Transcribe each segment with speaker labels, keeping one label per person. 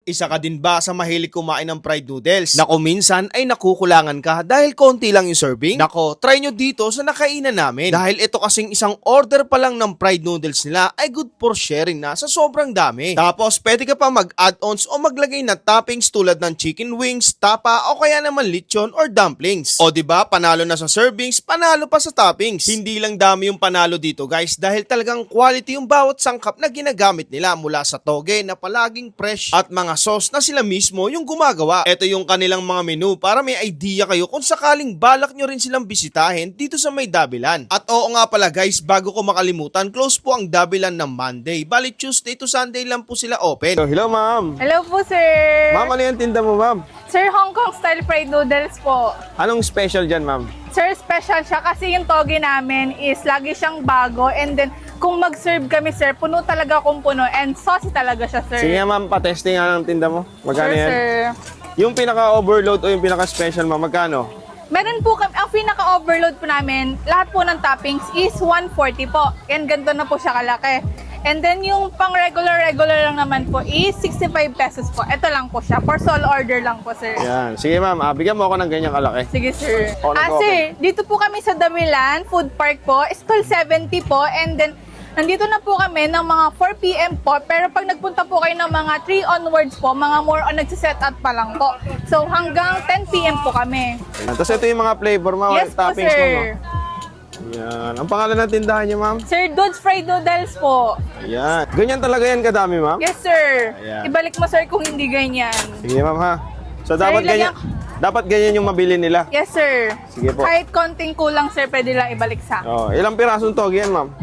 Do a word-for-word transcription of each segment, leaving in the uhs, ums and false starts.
Speaker 1: Isa ka din ba sa mahilig kumain ng fried noodles? Nako minsan ay nakukulangan ka dahil konti lang yung serving? Nako, try nyo dito sa nakainan namin. Dahil ito kasing isang order pa lang ng fried noodles nila ay good for sharing na sa sobrang dami. Tapos pwede ka pa mag-add-ons o maglagay na toppings tulad ng chicken wings, tapa o kaya naman lechon or dumplings. O diba, panalo na sa servings, panalo pa sa toppings. Hindi lang dami yung panalo dito guys dahil talagang quality yung bawat sangkap na ginagamit nila mula sa toge na palaging fresh at mga sauce na sila mismo yung gumagawa. Ito yung kanilang mga menu para may idea kayo kung sakaling balak nyo rin silang bisitahin dito sa may Dabilan. At oo nga pala guys, bago ko makalimutan, close po ang Dabilan ng Monday. Bali Tuesday to Sunday lang po sila open.
Speaker 2: So, hello ma'am.
Speaker 3: Hello po, sir.
Speaker 2: Ma'am, ano yung tinda mo ma'am?
Speaker 3: Sir, Hong Kong style fried noodles po.
Speaker 2: Anong special dyan ma'am?
Speaker 3: Sir, special siya kasi yung toge namin is lagi siyang bago, and then kung mag-serve kami, sir, puno talaga kung puno and saucy talaga siya, sir.
Speaker 2: Sige nga ma'am, pa-testing nga ng tinda mo. Magkano
Speaker 3: Sure,
Speaker 2: yan?
Speaker 3: sir.
Speaker 2: Yung pinaka-overload o yung pinaka-special ma'am, magkano?
Speaker 3: Meron po kami, ang pinaka-overload po namin, lahat po ng toppings is one forty po. And ganito na po siya kalaki. And then yung pang regular-regular lang naman po is sixty-five pesos po. Ito lang po siya. For sole order lang po, sir.
Speaker 2: Yan. Sige ma'am, ah, bigyan mo ako ng ganyang kalaki.
Speaker 3: Sige, sir.
Speaker 2: Oh,
Speaker 3: Ah,
Speaker 2: nag-open.
Speaker 3: sir, dito po kami sa Damilan Food Park po. Stall seventy po. And then, nandito na po kami ng mga four p m po. Pero pag nagpunta po kayo ng mga three onwards po, mga more on nagsiset up pa lang po. So, hanggang ten p m po kami.
Speaker 2: Yan. Tapos ito yung mga flavor ma'am,
Speaker 3: Yes po,
Speaker 2: toppings mo.
Speaker 3: sir.
Speaker 2: No? Yan. Ang pangalan ng tindahan niyo ma'am?
Speaker 3: Sir, Dude's Fried Noodles po.
Speaker 2: Yan. Ganyan talaga yan kadami ma'am?
Speaker 3: Yes, sir.
Speaker 2: Ayan.
Speaker 3: Ibalik mo, sir, kung hindi ganyan.
Speaker 2: Sige ma'am ha. So dapat ganyan,
Speaker 3: ilagyan-
Speaker 2: dapat ganyan yung mabili nila.
Speaker 3: Yes, sir.
Speaker 2: Sige po.
Speaker 3: Kahit konting kulang, sir, pwede lang ibalik sa.
Speaker 2: Oh, ilang pirasong togi yan ma'am?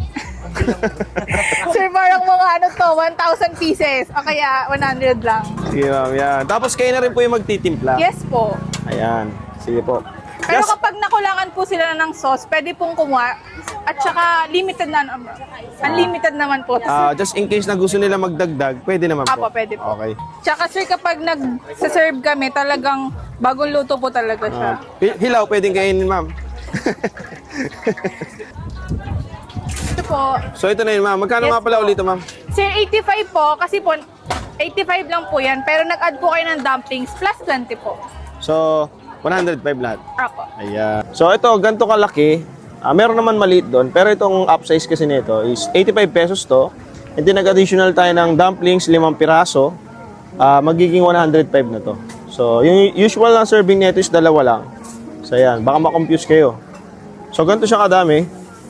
Speaker 3: Sir, parang mga ano to, one thousand pieces. O kaya one hundred lang.
Speaker 2: Sige ma'am, yan. Tapos kayo na rin po yung magtitimpla.
Speaker 3: Yes po.
Speaker 2: Ayan. Sige po.
Speaker 3: Pero
Speaker 2: Yes.
Speaker 3: kapag nakulangan po sila ng sauce, pwede pong kumuha. At saka limited na, unlimited naman po.
Speaker 2: Ah, just in case na gusto nila magdagdag, pwede naman po.
Speaker 3: Apo, pwede po.
Speaker 2: Okay.
Speaker 3: Tsaka sir, kapag nag-serve kami, talagang bagong luto po talaga siya.
Speaker 2: Ah, hi- hilaw, pwedeng kainin, ma'am.
Speaker 3: Ito po.
Speaker 2: So ito na yun, ma'am. Magkano
Speaker 3: Yes
Speaker 2: nga pala
Speaker 3: po.
Speaker 2: ulit, ma'am?
Speaker 3: Sir, eighty-five po, kasi po, eighty-five lang po yan, pero nag-add po kayo ng dumplings, plus twenty po.
Speaker 2: So, one hundred five lahat.
Speaker 3: Apo.
Speaker 2: Ayan. So ito, ganito kalaki. Ah, meron naman maliit doon, pero itong upsize kasi nito is eighty-five pesos to. And then nag-additional tayo ng dumplings, limang piraso. Ah, magiging one hundred five na to. So, yung usual na serving nito is dalawa lang. So, ayan. Baka makonfuse kayo. So, ganito siya kadami.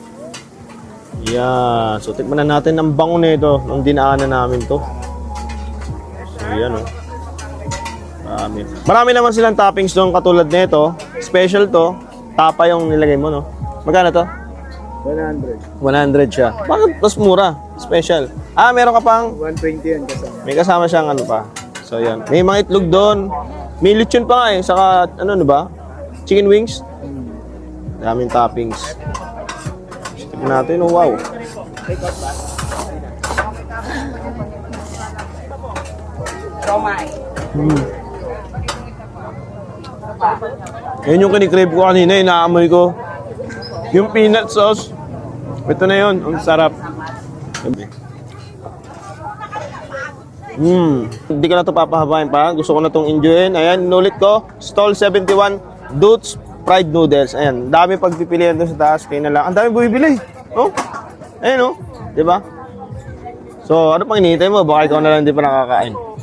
Speaker 2: Yan. So, tikman na natin ang bango nito nung dinaanan namin to. So, yan o. Marami. Marami naman silang toppings doon katulad nito. Special to. Tapa yung nilagay mo, no? Magkano to?
Speaker 4: one hundred.
Speaker 2: one hundred siya. Bakit mas mura? Special. Ah, meron ka pang...
Speaker 4: one twenty yan kasama.
Speaker 2: May kasama siyang ano pa. So, yan. May mga itlog doon. May lechon pa nga eh. Saka, ano, ano ba? Chicken wings. Daming toppings. Tignan natin. Oh, wow. Hmm. Yan yung kinikrave ko kanina. Inaamoy ko. Yung peanut sauce. Ito na yun. Ang sarap. Hmm. Hindi ko na ito papahabain pa. Gusto ko na itong enjoyin. Ayan, inulit ko. Stall seventy-one, Dude's Fried Noodles. Ayan, dami pagpipilian doon sa taas. Kaya na lang. Ang dami bumibili. Oh? Ayan, oh. Diba? So, ano pang hinihintay mo? Baka ikaw na lang hindi pa nakakain.